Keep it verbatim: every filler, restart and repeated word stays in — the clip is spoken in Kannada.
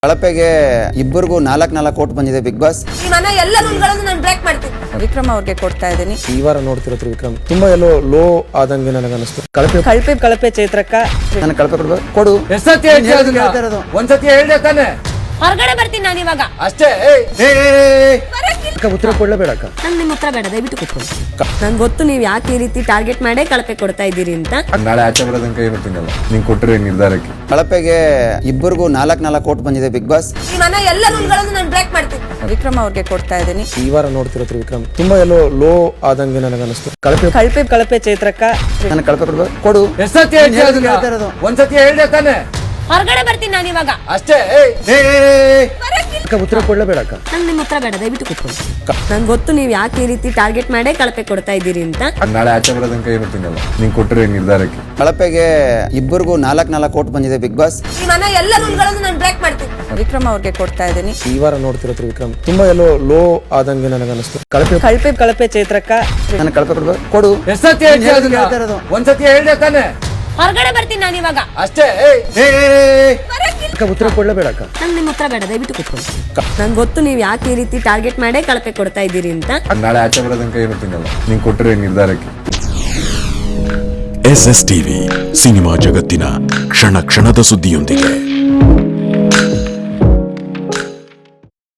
ಕಳಪೆಗೆ ಇಬ್ಬರಿಗೂ ನಾಲ್ಕು ನಾಲ್ಕು ಕೋಟ್ ಬಂದಿದೆ ಬಿಗ್ ಬಾಸ್. ಈ ಮನೆ ಎಲ್ಲ ರೂಲ್ಗಳನ್ನು ನಾನು ಬ್ರೇಕ್ ಮಾಡ್ತೀನಿ. ವಿಕ್ರಮ್ ಅವ್ರಿಗೆ ಕೊಡ್ತಾ ಇದ್ದೀನಿ. ಈ ವಾರ ನೋಡ್ತಿರೋದು ವಿಕ್ರಮ್ ತುಂಬಾ ಎಲ್ಲೋ ಲೋ ಆದಂಗೆ ನನಗೆ ಅನಿಸ್ತು. ಕಳಪೆ ಕಳಪೆ ಕಳಪೆ ಚೈತ್ರಕ್ಕ ನಾನು ಕಳಪೆ ಕೊಡ್ಬೇಕು ಕೊಡು. ಎಷ್ಟೊತ್ತಿ ಹೇಳ್ತಾ ಇರೋದು? ಒಂದ್ಸತಿ ಹೇಳ್ದೆ ತಾನೆ, ಹೊರಗಡೆ ಬರ್ತೀನಿ ನಾನು ಇವಾಗ. ಅಷ್ಟೇ. ಉತ್ತರ ಕೊಡ್ಲೇಬೇಡಕ್ಕ. ನಂಗೆ ನಿಮ್ಮ ಉತ್ತರ ಬೇಡ, ದಯವಿಟ್ಟು ಕೂತ್ಕೊಳ್ಳಿ. ನಂಗೆ ಗೊತ್ತು ನೀವು ಯಾಕೆ ಈ ರೀತಿ ಟಾರ್ಗೆಟ್ ಮಾಡೇ ಕಳಪೆ ಕೊಡ್ತಾ ಇದ್ದೀರಿ ಅಂತ. ನಾಳೆ ಆಚೆ ಬರೋದಂಕ ಇರುತ್ತೀನಲ್ಲ ನೀನ್ ಕೊಟ್ಟರೆ ನಿರ್ಧಾರಕ್ಕೆ. ಕಳಪೆಗೆ ಇಬ್ಬರಿಗೂ ನಾಲ್ಕು ನಾಲ್ಕು ಕೋಟ್ ಬಂದಿದೆ ಬಿಗ್ ಬಾಸ್. ಈ ಮನೆ ಎಲ್ಲ ರೂಲ್ಗಳನ್ನು ನಾನು ಬ್ರೇಕ್ ಮಾಡ್ತೀನಿ. ವಿಕ್ರಮ್ ಅವ್ರಿಗೆ ಕೊಡ್ತಾ ಇದ್ದೀನಿ. ಈ ವಾರ ನೋಡ್ತಿರೋದು ವಿಕ್ರಮ್ ತುಂಬಾ ಎಲ್ಲೋ ಲೋ ಆದಂಗೆ ನನಗೆ ಅನಿಸ್ತು. ಕಳಪೆ ಕಳಪೆ ಕಳಪೆ ಚೈತ್ರಕ್ಕ ನಾನು ಕಳಪೆ ಕೊಡ್ಬೇಕು ಕೊಡು. ಎಷ್ಟೊತ್ತಿ ಹೇಳ್ತಾ ಇರೋದು? ಒಂದ್ಸತಿ ಹೇಳ್ದೆ ತಾನೆ, ಹೊರಗಡೆ ಬರ್ತೀನಿ ನಾನು ಇವಾಗ. ಅಷ್ಟೇ. ಉತ್ತರ ಕೊಡ್ಲೇಬೇಡಕ್ಕ. ನಂಗೆ ನಿಮ್ಮ ಉತ್ತರ ಬೇಡ, ದಯವಿಟ್ಟು ಕೂತ್ಕೊಳ್ಳಿ. ನಂಗೆ ಗೊತ್ತು ನೀವು ಯಾಕೆ ಈ ರೀತಿ ಟಾರ್ಗೆಟ್ ಮಾಡೇ ಕಳಪೆ ಕೊಡ್ತಾ ಇದ್ದೀರಿ ಅಂತ. ನಾಳೆ ಆಚೆ ಬರೋದಂಕ ಇರುತ್ತೀನಲ್ಲ ನೀನ್ ಕೊಟ್ಟರೆ ನಿರ್ಧಾರಕ್ಕೆ. ಕಳಪೆಗೆ ಇಬ್ಬರಿಗೂ ನಾಲ್ಕು ನಾಲ್ಕು ಕೋಟ್ ಬಂದಿದೆ ಬಿಗ್ ಬಾಸ್. ಈ ಮನೆ ಎಲ್ಲ ರೂಲ್ಗಳನ್ನು ನಾನು ಬ್ರೇಕ್ ಮಾಡ್ತೀನಿ. ವಿಕ್ರಮ್ ಅವ್ರಿಗೆ ಕೊಡ್ತಾ ಇದ್ದೀನಿ. ಈ ವಾರ ನೋಡ್ತಿರೋದು ವಿಕ್ರಮ್ ತುಂಬಾ ಎಲ್ಲೋ ಲೋ ಆದಂಗೆ ನನಗೆ ಅನಿಸ್ತು. ಕಳಪೆ ಕಳಪೆ ಕಳಪೆ ಚೈತ್ರಕ್ಕ ನಾನು ಕಳಪೆ ಕೊಡ್ಬೇಕು ಕೊಡು. ಎಷ್ಟೊತ್ತಿ ಹೇಳ್ತಾ ಇರೋದು? ಒಂದ್ಸತಿ ಹೇಳ್ದೆ ತಾನೆ, ಹೊರಗಡೆ ಬರ್ತೀನಿ ನಾನು ಇವಾಗ. ಅಷ್ಟೇ. ಉತ್ತರ ಕೊಡ್ಲೇಬೇಡಕ್ಕ. ನಂಗೆ ನಿಮ್ಮ ಉತ್ತರ ಬೇಡ, ದಯವಿಟ್ಟು ಕೂತ್ಕೊಳ್ಳಿ. ನಂಗೆ ಗೊತ್ತು ನೀವು ಯಾಕೆ ಈ ರೀತಿ ಟಾರ್ಗೆಟ್ ಮಾಡೇ ಕಳಪೆ ಕೊಡ್ತಾ ಇದ್ದೀರಿ ಅಂತ. ನಾಳೆ ಆಚೆ ಬರೋದಂಕ ಇರುತ್ತೀನಲ್ಲ ನೀನ್ ಕೊಟ್ಟರೆ ನಿರ್ಧಾರಕ್ಕೆ. ಎಸ್ ಎಸ್ ಟಿವಿ ಸಿನಿಮಾ ಜಗತ್ತಿನ ಕ್ಷಣ ಕ್ಷಣದ ಸುದ್ದಿಯೊಂದಿಗೆ.